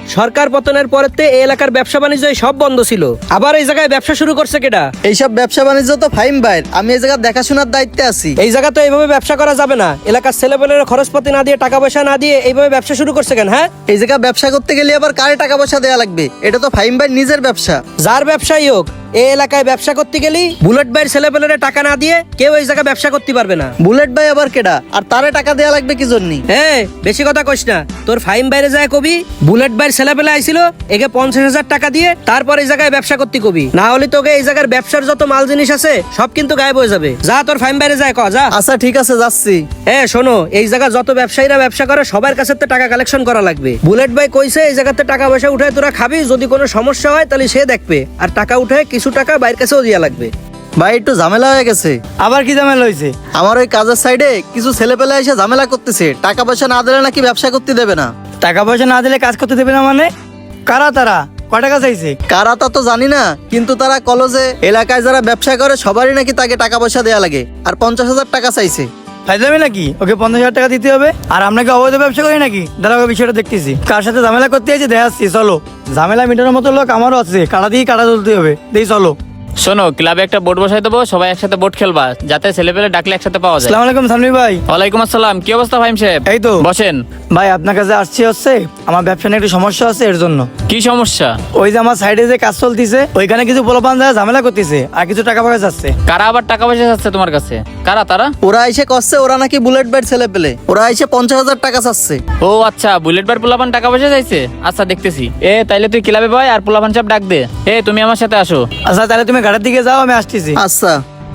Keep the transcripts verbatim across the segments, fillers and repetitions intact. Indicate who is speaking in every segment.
Speaker 1: সরকার পতনের পরেতে এই এলাকার ব্যবসা বাণিজ্য সব বন্ধ ছিল, আবার এই জায়গায় ব্যবসা শুরু করছে কেডা?
Speaker 2: এইসব ব্যবসা বাণিজ্য তো ফাহিম ভাইয়ের, আমি এই জায়গা দেখাশোনার দায়িত্বে আছি।
Speaker 1: এই জায়গা তো এইভাবে ব্যবসা করা যাবে না। এলাকার ছেলেপেলের খরচপাতি না দিয়ে, টাকা পয়সা না দিয়ে এইভাবে ব্যবসা শুরু করছে কেন? হ্যাঁ,
Speaker 2: এই জায়গা ব্যবসা করতে গেলে আবার কারে টাকা পয়সা দেওয়া লাগবে? এটা তো ফাহিম ভাই নিজের ব্যবসা।
Speaker 1: যার ব্যবসায়ী হোক, এই এলাকায় ব্যবসা করতে গেলি বুলেট ভাইয়ের ছেলেপেলের টাকা না দিয়ে কেউ এই জায়গায় ব্যবসা করতে পারবে না।
Speaker 2: বুলেট ভাই আবার কেডা? আর তারে টাকা দেওয়া লাগবে কি জন্য?
Speaker 1: হ্যাঁ, বেশি কথা কইস না। তোর ফাইম বাইরে যায় কবি বুলেট ভাইয়ের ছেলেপেলে আইছিল, একে পঞ্চাশ হাজার টাকা দিয়ে তারপর এই জায়গায় ব্যবসা করতে কবি, না হলে তোকে এই জায়গার ব্যবসার যত মাল জিনিস আছে সব কিন্তু গায়েব হয়ে যাবে। যা, তোর ফাইম বাইরে যায় ক যা।
Speaker 2: আচ্ছা ঠিক আছে, যাচ্ছি।
Speaker 1: হ্যাঁ শোনো, এই জায়গা যত ব্যবসায়ীরা ব্যবসা করে সবার কাছে তো টাকা কালেকশন করা লাগবে। বুলেট ভাই কইছে এই জায়গাতে টাকা পয়সা উঠে তোরা খাবি, যদি কোনো সমস্যা হয় তাহলে সে দেখবে, আর টাকা উঠে কিছু টাকা বাইরের কাছেও দিয়া লাগবে।
Speaker 2: ভাই একটু ঝামেলা হয়ে গেছে।
Speaker 3: আবার কি ঝামেলা হয়েছে?
Speaker 2: আমার ওই কাজের সাইডে কিছু ছেলে পেলে এসে ঝামেলা করতেছে, টাকা পয়সা না দিলে নাকি ব্যবসা করতে দেবে না।
Speaker 3: টাকা পয়সা না দিলে কাজ করতে দেবে না মানে? কারা তারা? কয় টাকা চাইছে?
Speaker 2: কারা তা তো জানি না, কিন্তু তারা কলেজে এলাকায় যারা ব্যবসা করে সবারই নাকি তাকে টাকা পয়সা দেওয়া লাগে, আর পঞ্চাশ হাজার টাকা চাইছে।
Speaker 3: ফাইজলামি নাকি? ওকে পঞ্চাশ হাজার টাকা দিতে হবে? আর আমরা কি অবৈধ ব্যবসা করি নাকি? দাঁড়াও, বিষয়টা দেখতেছি। কার সাথে ঝামেলা করতে আছে দেখাচ্ছি, চলো। ঝামেলা মিটানোর মতো লোক আমারও আছে, কাটা দিয়ে কাটা তুলতে হবে, দেই চলো।
Speaker 4: শোনো, ক্লাবে একটা বোর্ড বসাই দেবো, সবাই একসাথে বোর্ড খেলবা, যাতে ছেলেপেলে ডাকলে একসাথে পাওয়া যায়।
Speaker 3: আসসালামু আলাইকুম সামনি ভাই।
Speaker 4: ওয়ালাইকুম আসসালাম। কি অবস্থা ফাহিম সাহেব?
Speaker 3: এই তো
Speaker 4: বসেন।
Speaker 3: ভাই, আপনার কাছে আসছি হচ্ছে আমার ব্যবসা নিয়ে একটু সমস্যা আছে, এর জন্য।
Speaker 4: কি সমস্যা?
Speaker 3: ওই যে আমার সাইডে যে কাজ চলতেছে, ওইখানে কিছু পোলাপান যারা ঝামেলা করতেছে আর কিছু টাকা পয়সা যাচ্ছে।
Speaker 4: কারা আবার টাকা পয়সা চাচ্ছে তোমার কাছে? কারা তারা?
Speaker 2: ওরা এসে করছে ওরা নাকি বুলেট ভাইয়ের ছেলে পেলে, ওরা এসে পঞ্চাশ হাজার টাকা চাচ্ছে।
Speaker 4: ও আচ্ছা, বুলেট বার পোলাপান টাকা পয়সা চাইছে। আচ্ছা দেখতেছি। এ তাইলে তুই ক্লাবে বয় আর পোলাপান সব ডাক দে। এ তুমি আমার সাথে আসো।
Speaker 3: আচ্ছা তাহলে তুমি ঘাটের দিকে যাও, আমি আসতেছি।
Speaker 2: আচ্ছা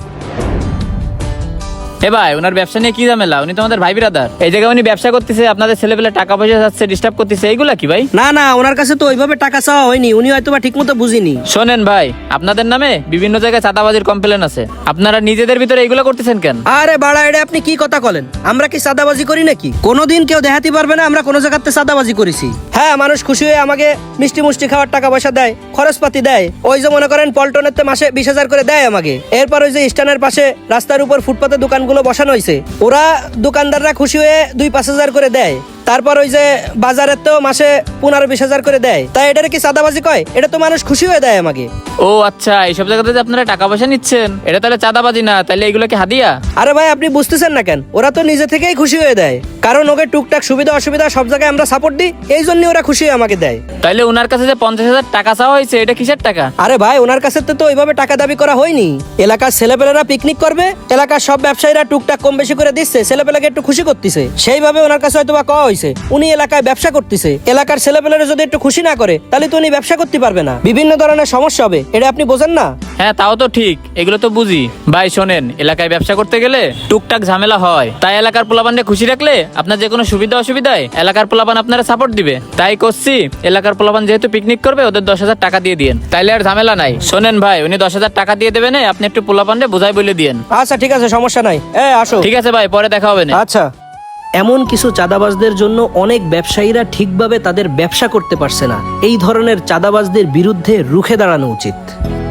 Speaker 4: এ ভাই, ওনার ব্যবসা নিয়ে কি ঝামেলা? উনি তো আমাদের ভাই বিরাদার। এই জায়গায় উনি ব্যবসা করতেছে, আপনাদের ছেলেপেলে টাকা পয়সা যাচ্ছে, ডিস্টার্ব করতেছে, এইগুলা কি ভাই?
Speaker 1: না না, ওনার কাছে তো ওইভাবে টাকা চাওয়া হয়নি, উনি হয়তো বা ঠিক মতো বুঝিনি।
Speaker 4: শোনেন ভাই, আপনাদের নামে বিভিন্ন জায়গায় চাঁদাবাজির কমপ্লেন আছে, আপনারা নিজেদের ভিতরে এইগুলো করতেছেন কেন?
Speaker 1: আরে বাড়া, এটা আপনি কি কথা বলেন? আমরা কি সাদাবাজি করি নাকি? কোনোদিন কেউ দেখাতে পারবে না আমরা কোনো জায়গাতে সাদাবাজি করেছি। হ্যাঁ, মানুষ খুশি হয়ে আমাকে মিষ্টি মুষ্টি খাওয়ার টাকা পয়সা দেয়, খরচপাতি দেয়। ওই যে মনে করেন পল্টনের মাসে বিশ হাজার করে দেয় আমাকে। এরপর ওই যে স্ট্যান্ডের পাশে রাস্তার উপর ফুটপাতে দোকানগুলো বসানো হয়েছে, ওরা দোকানদাররা খুশি হয়ে দুই পাঁচ হাজার করে দেয়। তারপর ওই যে বাজারের তো মাসে পনেরো বিশ হাজার করে দেয়। তাই এটা কি চাঁদাবাজি কয়? এটা তো মানুষ খুশি হয়ে দেয় আমাকে।
Speaker 4: ও আচ্ছা, এইসব জায়গাতে যে আপনারা টাকা পয়সা নিচ্ছেন, এটা তাহলে চাঁদাবাজি না, তাহলে এগুলো কি হাদিয়া?
Speaker 1: আরে ভাই, আপনি বুঝতেছেন না কেন? ওরা তো নিজে থেকেই খুশি হয়ে দেয়, কারণ ওকে টুকটাক সুবিধা অসুবিধা সব জায়গায় আমরা সাপোর্ট দিই, এই জন্য ওরা খুশি হয়ে আমাকে দেয়।
Speaker 4: তাইলে ওনার কাছে যে পঞ্চাশ হাজার টাকা চাওয়া হয়েছে, এটা কিসের টাকা?
Speaker 1: আরে ভাই, ওনার কাছে তো ওইভাবে টাকা দাবি করা হয়নি। এলাকার ছেলেপেলেরা পিকনিক করবে, এলাকার সব ব্যবসায়ীরা টুকটাক কম বেশি করে দিচ্ছে, ছেলেপেলাকে একটু খুশি করতেছে, সেইভাবে ওনার কাছে হয়তো বা কওয়া হয়েছে। উনি এলাকায় ব্যবসা করতেছে, এলাকার ছেলেপেলেরা যদি একটু খুশি না করে তাহলে তো উনি ব্যবসা করতে পারবে না, বিভিন্ন ধরনের সমস্যা হবে। এটা আপনি বোঝেন না?
Speaker 4: হ্যাঁ তাও তো ঠিক, এগুলো তো বুঝি। ভাই শোনেন, এলাকায় ব্যবসা করতে গেলে টুকটাক ঝামেলা হয়, তাই এলাকার পোলাপানকে খুশি রাখলে আপনার যে কোনো সুবিধা অসুবিধায় এলাকার পোলাপান আপনারা সাপোর্ট দিবে। তাই করছি, এলাকার পোলাপান যেহেতু পিকনিক করবে, ওদের দশ হাজার টাকা দিয়ে দিন, তাইলে আর ঝামেলা নাই। শোনেন ভাই, উনি দশ হাজার টাকা দিয়ে দেবেন, আপনি একটু পোলাপানকে বুঝাই বলে দিন।
Speaker 1: আচ্ছা ঠিক আছে, সমস্যা নাই। এ আসো।
Speaker 4: ঠিক আছে ভাই, পরে দেখা হবে না।
Speaker 1: আচ্ছা। এমন কিছু চাঁদাবাজদের জন্য অনেক ব্যবসায়ীরা ঠিকভাবে তাদের ব্যবসা করতে পারছে না। এই ধরনের চাঁদাবাজদের বিরুদ্ধে রুখে দাঁড়ানো উচিত।